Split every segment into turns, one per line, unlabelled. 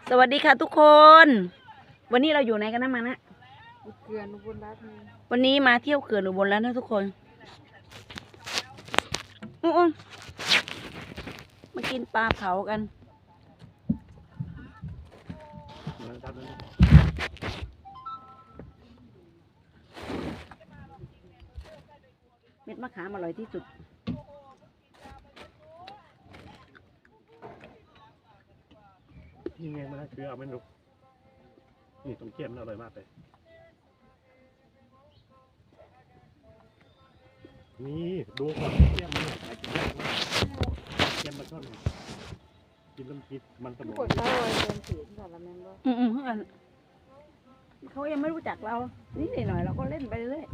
สวัสดีค่ะทุกคน วันนี้เราอยู่ไหนกันนะมานะ
เขื่อนอุบลรัตน์
วันนี้มาเที่ยวเขื่อนอุบลแล้วนะทุกคนอุ้งมากินปลาเผากันเม็ดมะขามอร่อยที่สุด
นี่ไงมันคือเอาไม่รู้นี่ตรงเกี๊ยมอร่อยมากเลยนี่ดูก่อนเกี๊ยมเนี่ยไอ้กินยากมากเกี๊ยมมาช่อนกินน้ำพริกมันสมอง
กดเข้าเลยเดินถือก่อนละแม่นบ่
เขายังไม่รู้จักเรานี่หน่อยเราก็เล่นไปเรื่อย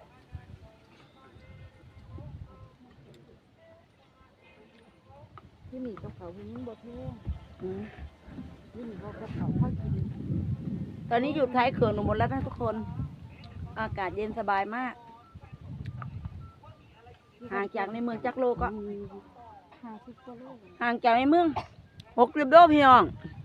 ที่นี่กับเขาที่นี่บ่แท้
อืม
ที่นี่เขากับเขาเข้ากิน
ตอนนี้อยู่ท้ายเขื่อนอุบลแล้วนะทุกคน อากาศเย็นสบายมากห่างจากในเมืองจักโลก็
50 กว่าโล
ห่างจากในเมือง60 โลพี่น้อง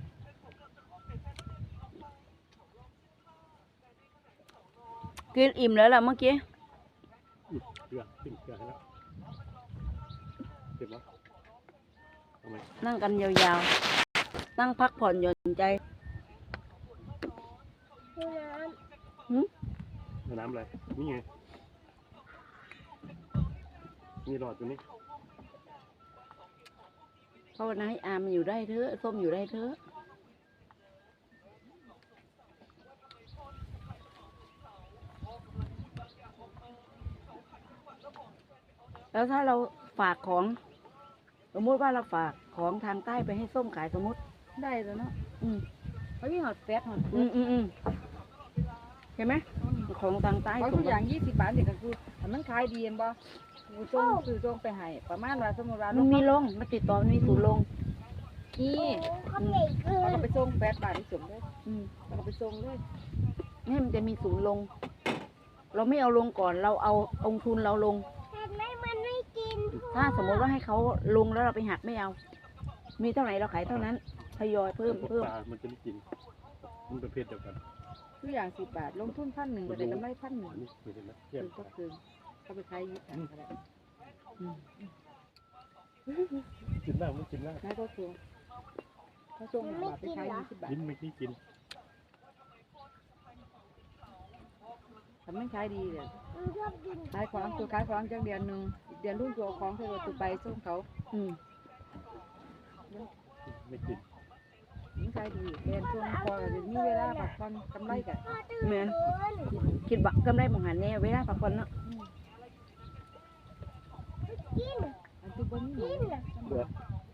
กินอิ่มแล้วล่ะเมื่อกี้
เกลือขึ้นเกลือให้แล้วเก็บวะทำไม
นั่งกันยาวๆ นั่งพักผ่อนหย่อนใจหืม
น้ำอะไรนี่ไงมีหลอดอยู่นี่
ภาวนาให้อามมันอยู่ได้เถอะส้มอยู่ได้เถอะแล้วถ้าเราฝากของสมมติว่าเราฝากของทางใต้ไปให้ส้มขายสมมติ
ได้แล้วเนาะ
อืม
เขามีหอดแฟตหอด
เห็นไหมของทางใต้
เขา
ส่
ทุ
ง
กอย่าง20 บาทเด็กก็คือถ้ามันขายดีเห็นบ่กูส่งซื้อส่งไปให้ประมาณว่าสมมุติว่า
มันมีลงมาติดต่อมันมีศูนย์ลง
นี่เขาก็ไปส่ง8 บาทที่ส่งเลย
อืม
เขาก็ไปส่งเลย
นี่มันจะมีศูนย์ลง เราไม่เอาลงก่อนเราเอาองทุนเราลง ถ้าสมมติว่าให้เขาลงแล้วเราไปหักไม่เอา มีเท่าไหร่เราขายเท่านั้นทยอยเพิ่ม
พวกปลามันจะไม่กินมันเป็นเพศเดียวกัน
ทุกอย่าง10 บาทลงทุน1,000ก็ได้กำไร1,100
อันนี้เห็นไหมเกี๊ย
คื
ม
อก็คือเขาไปขายยี่สิบก็ได้
กินได้ไม่กินได้
นายก็คือเขาส่งมาไปขาย20 บาท
กินไม่ขี้กิน
ทำไม่ขายดีเลยขายของตัวขายของจังเดือนหนึ่งอีกเดือนรุ่นตัวของเธอตัวไปส่งเขา
อืม
ไม่กิน
ยิ่งขายดีเดือนช่วงพอจะมีเวลาพักผ่อนกำไรกัน
แม่นคิดบักกำไรมองหันแน่เวลาพักผ่อนเนาะ
อันที่บนนี้
เบื่อ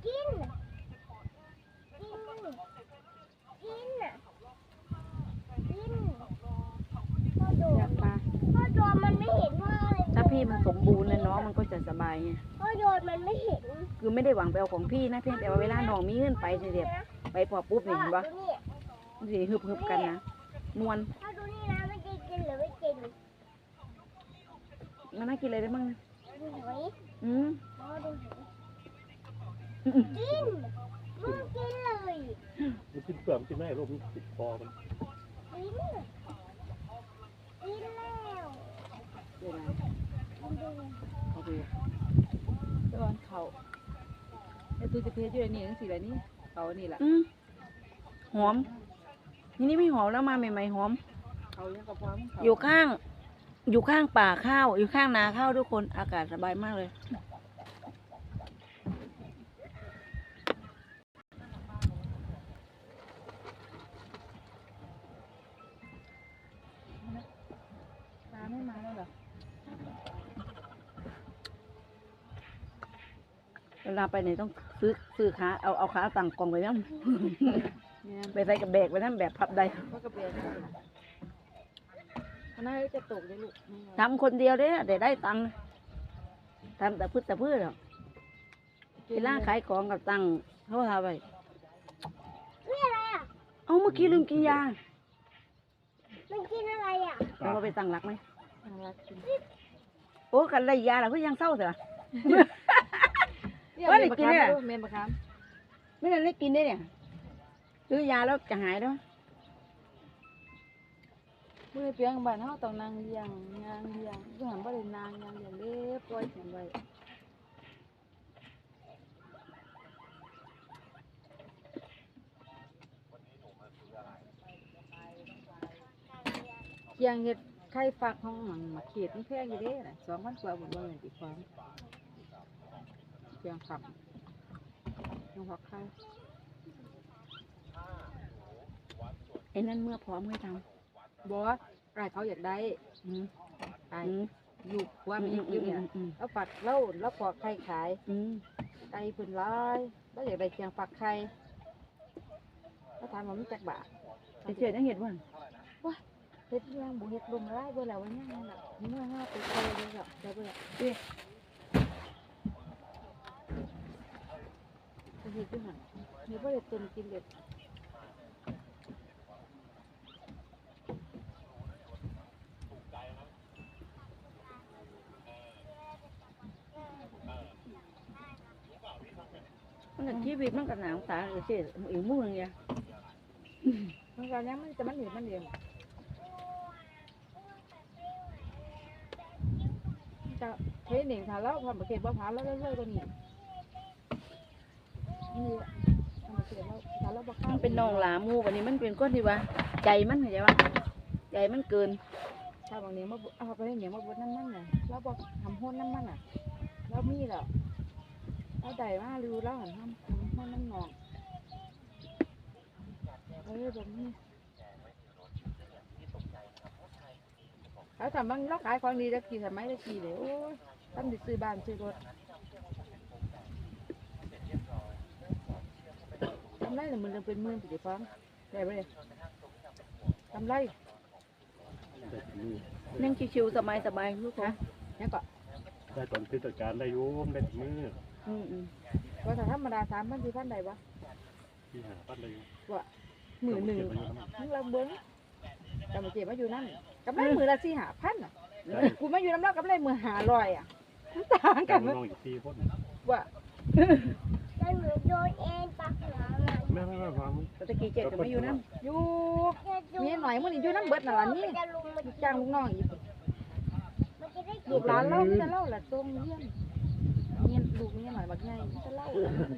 อยากปลา
พ่อโดนมันไม่เห็นว่าอะไร
ถ้าพี่มันสมบูรณ์นะน้องมันก็จะสบายไง
พ่อโดนมันไม่เห็น
คือไม่ได้หวังไปเอาของพี่นะเพียงแต่ว่าเวลาน้องมีเงินไปเสียไปพอปุ๊บนี่เห็นปะ
ดูนี่
มันสิฮึบกันนะมวน
พ่อดูนี่นะมันจะกินหรือไม่กิน
มันน่ากินอะไรได้บ้างนะ
ดูหอย
อืม
พ่อดูหอย
อืม
กินมึงกินเลย
มันกินเปลือกมันกินไม่ได้โรคมันติดคอมัน
กินกินแล้ว
เดี๋ยวนะ
กินดู
เอาไป
ตอนเขาไอ้ตัวจะเพชรอยู่ในนี่ทั้งสี่อะไรนี่เขานี่แหละ
อืมหอมนี่ไม่หอมแล้วมาใหม่ๆหอม
เขายังกระเพาะเขา
อยู่ข้างป่าข้าวอยู่ข้างนาข้าวทุกคนอากาศสบายมากเลย
ปลาไม่มาแล้วเหรอ
เวลาไปไหนต้องซื้อขาเอาขาตั้งกล่องไปนั่น
เนี่ย
ไปใส่กับแบกไปนั่นแบบพับใด
เขากระเบียนคณะจะตกได้ลูก
ทำคนเดียวเด้อแต่ได้ตังค์ทำแต่พืชหรอกเวลาขายของกับตังค์เขาทำไป
นี่อะไรอ่ะ
เอาเมื่อกี้ลืมกินยา
มันกินอะไรอ่ะ
เราไปตั้งหลักไหม
น่ารักจริง
โอ้กันไรยาล่ะก็ยังเศร้าเถอะ
เมนบะคาม
ไม่ได้กินได้เนี่ยซื้อยาแล้วจะหายแล้ว
เมื่อเพียงบ้านเฮาต้องนางเลี้ยงยางเลี้ยงเพื่อหันบ่ได้นางยางเลี้ยงเด้ปล่อยถิ่มไว้เคียงเฮ็ดไข่ฟักของหยังมาเขียดมันแพงอยู่เด้น่ะ2,000 กว่าบ่เบิ่งอีกของเคียงฟักยังฟักไข่
ไอ้นั่นเมื่อพร้อมให้ท
บ่ไอ้เขาอยากได้
ำอืม
ไอ้
อืม
ลูกว่ามันอยู่เนี่ย
อืม
แล้วฝักแล้วปอกไข่ขาย
อืม
ไก่เพิ่นร้ายแล้วอยากได้เคียงฝักไข่แล้วถามว่ามันจักบาท
ไอ้เชื่อยังเห็นว่า
เฮ็ดยังบ่เฮ็ดลมร้ายเบิ่แล้วว่ายังนั่นล่ะนี่ว่าเฮาไปไข่เด้อจ้ะได้เบิ่ล่ะไปเฮ็ดอยู่หั่นนี่บ่ได้ต้นกินเด็ด
มันก็ชีวิตมันก็หนาวตาไอ้เชื่ออีกมือเนี่ย
มันก็ยังมันจะมันเห็นมันเดียวจะเฮ็ดหนิงถ้าเราทำประเทศบ่ผ่านแล้วเรื่อยๆกว่านี้นี่ทำประเทศเราถ้าเราบ่เข้า
มันเป็นน้องหลาหมูวันนี้มันเป็นก้อนที่ว่าใจมันเข้าใจว่าใจมันเกิน
ถ้าบางนี้มาเอาไปเหนียวมาบดน้ำมันน่ะเราบอกทำห้นน้ำมันน่ะเรามีแล้วเราได้มาดูแล้วหันทำห้นน้ำหนองแบบนี้เขาทำบางเราขายของดีตะกี้ทำไมตะกี้เลยโอ้ยทำดิซื้อบ้านซื้อรถทำไรหรือมันเป็นหมื่นสิฟังได้ไหมทำไร
ได้ถึงมือ
นั่งชิวๆสบายๆลูกนะ
เนี่ยก็
ได้ตอนพิจารการได้อยุ่มได้ถึงมือ
อืมอืม
ว่าถ้าธรรมดา3,000 4,000ได้ปะ
ที่หาปั้นได้อยู่
ว่ามือหนึ่ง
เก็บไว้อยู่นะ
มึงเราเบิ้งกำมาเจ็บมาอยู่นั่นกำไรมือละ4,000 อ่ะ
ได้
กูมาอยู่น้ำเล่ากำไรมือ500อ่ะมันต่างกั
กาน ร
มั้ย
น้องอีก4 คน
ว่า
มันเหมือนโดนเอ็นปักหลังอ่ะ
ไม่ฟัง
ตะกี้เจ็ดก็ไม่อยู่นั่น
อยู่มีหน่อยมื้อนี้อยู่น้ำเบิดน่ะล่ะนี่
มันจะลุมมัน
จ้างลูกน้องอีก
มันจะได้
ลูกหลานเรามีแต่เล่าล่ะทรงเยี่ยมเมียลูกเมียหน่อยบักใหญ่มีแต่เล่า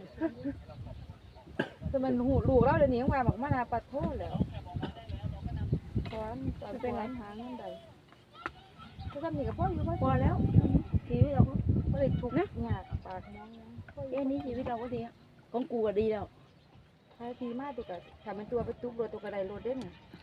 แต่มันหูลูกเราเดี๋ยวนี้ยังว่าบักมานาปัดโทษแล้วตอนเป็นไรหาเงินใดก็ทำนี่กับพ่ออยู่พ่อ
พอแล้วชีวิตเราก็
ไม่ได้ทุกข์นะยากปากมองนะพ่ออ
แค่
ยู่
นี้ชีวิตเราก็ดีอะของกูก็ดีแล้ว
ใช้ทีมากตัวกับทำเป็นตัวไปตุ๊กรถตัวกระไดรถเด้เนี่ย